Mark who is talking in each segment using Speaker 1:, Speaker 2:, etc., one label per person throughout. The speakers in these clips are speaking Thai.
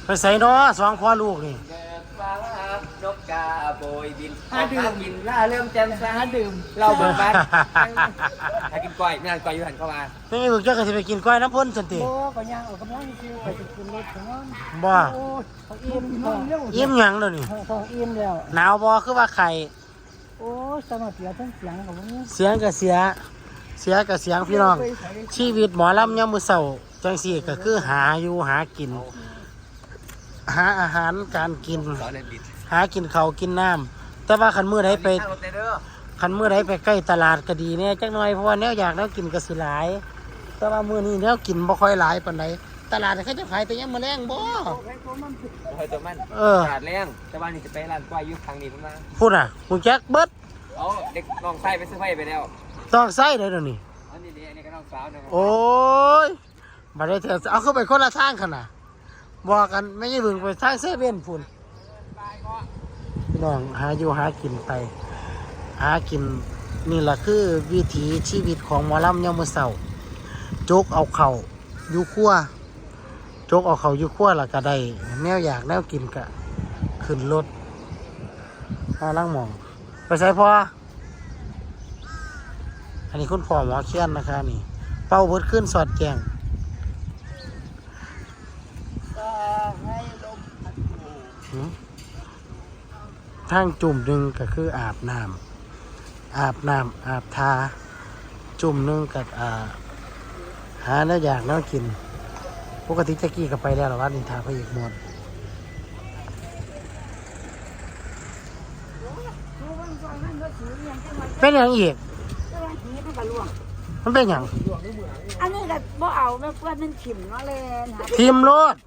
Speaker 1: ไปใส่เนาะสองพ่อลูกนี่
Speaker 2: ฟ้านกกาโบยบินดื่มกินล่าเริ่มแจ่มใสดื่มเราเบิกบานถ้ากินก้อยไม่นานก้อยอยู่หันเข้ามา
Speaker 1: นี่มึงจะไปกินก้อยน้ำพ่นสันติ
Speaker 3: บ่ก็ย่างออกกำลังคือไปกินรถของมัน
Speaker 1: บ่อิ่มยังเลยนี่
Speaker 3: อิ่มแล้ว
Speaker 1: หนาวบ่คือว่าไข่
Speaker 3: โอ้สมาเสียทั้งเสียงกับมึง
Speaker 1: เสียงกับเสียกับเสียงพี่น้องชีวิตหมอลำยามมื้อเช้าจังซี่ก็คือหาอยู่หากินหาอาหารการกินหากินข้าวกินน้ำแต่ว่าคันมื้อใดไปใกล้ตลาดก็ดีเนี่ยจักหน่อยเพราะว่าแนวอยากแนวกินก็สิหลายแต่ว่ามื้อนี้แนวกินบ่ค่อยหลายปานใดตลาดเขาจะขายแต่ยามมื้อแลงบ่
Speaker 2: ตัวมันตลาดแรงแต่ว่านี่จะไปร้านก้อยอยู่ทางนี้พุ่นมา
Speaker 1: พูดน่ะกูแจ็คเบิด
Speaker 2: เด็กน้องไส้ไปซื้อไฟไปแล้ว
Speaker 1: ต้องไส้เลยเดี๋ยวนี้
Speaker 2: อันนี้ก็น้องสาวนะ
Speaker 1: โอ้ยมาได้เถอะเอาเข้าไปคนละทางขนาดบอกกันไม่ใช่บึงไปทางเซเว่นพุ่นพี่น้องหาอยู่หากินไปหากินนี่แหละคือวิถีชีวิตของหมอลำยามมื้อเช้าจกเอาเข่าอยู่ขั้วจกเอาเข่าอยู่ขั้วแล้วก็ได้แนวอยากแนวกินก็ขึ้นรถหาล่างหมองไปใส่พออันนี้คุณพ่อหมอเคียนนะคะนี่เป้าเบิดขึ้นสอดแจงทางจุ่มหนึ่งก็คืออาบน้ำอาบทาจุ่มหนึ่งกับหาเนื้ออยากเนื้อกินปกติแจ็กกี้ก็ไปแล้วหรอว่านินทาไปอีกหมดเป็นอย่างอีกมันเป็นอย่าง
Speaker 3: อันนี้ก็บ่เอาแม่เพื่อนมันขิมเนาะเลย
Speaker 1: ทีมรถ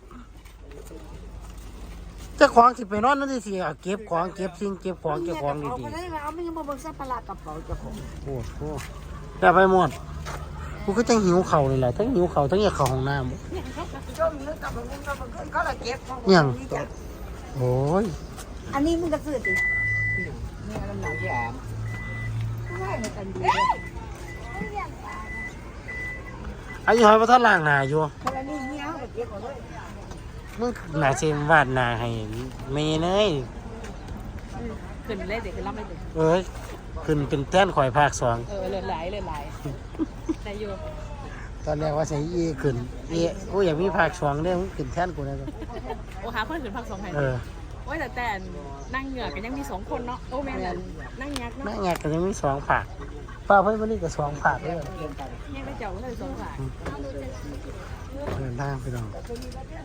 Speaker 1: เจ้าของสิไปนอนนั่นสิเก็บของเก็บสิ่งเก็บของเก็บของดี
Speaker 3: ๆเอาไม่ยังบ่เบิ่งสัมภาระกระเป๋าเจ้าของ
Speaker 1: โอ้โหแต่ไปหมดกูก็จังหิวเข่าเลยแหละทั้งหิวเข่าทั้งอยากเข่าห้องน้ำยังโอ้ย
Speaker 3: อันนี้มึงก็ซื้อติ
Speaker 2: นี่น้ำหนักที่อาบ
Speaker 1: อายุหอยพระท่านล่างหนาอยู่มึงหนาเซมวาดนาให้เมย์เนย
Speaker 3: ขึ้นเลยเด็กขึ้นรับไม่ถึง
Speaker 1: ขึ้นเป็นแท่นข่อยภาค2
Speaker 3: เลื่อนไหลได้อยู่
Speaker 1: ตอนแรกว่าใส่ขึ้นโอ้ยอยากมีภาค2เนี่ยมึงขึ้นแท่นกูนะ
Speaker 3: โอ้หาคนขึ้นภาค2ให้โอ้ยแต่นั่งเหงื่อกันยังมี2คนเนาะโอ้แม่นั่งยักเนาะ
Speaker 1: นั่งยักกันยังมี2ภาคป้าเพิ่นวันนี้ก็2ภาคเลย
Speaker 3: ยังได้เจ้าเลย2ภาค
Speaker 1: เดินทางไปน้อง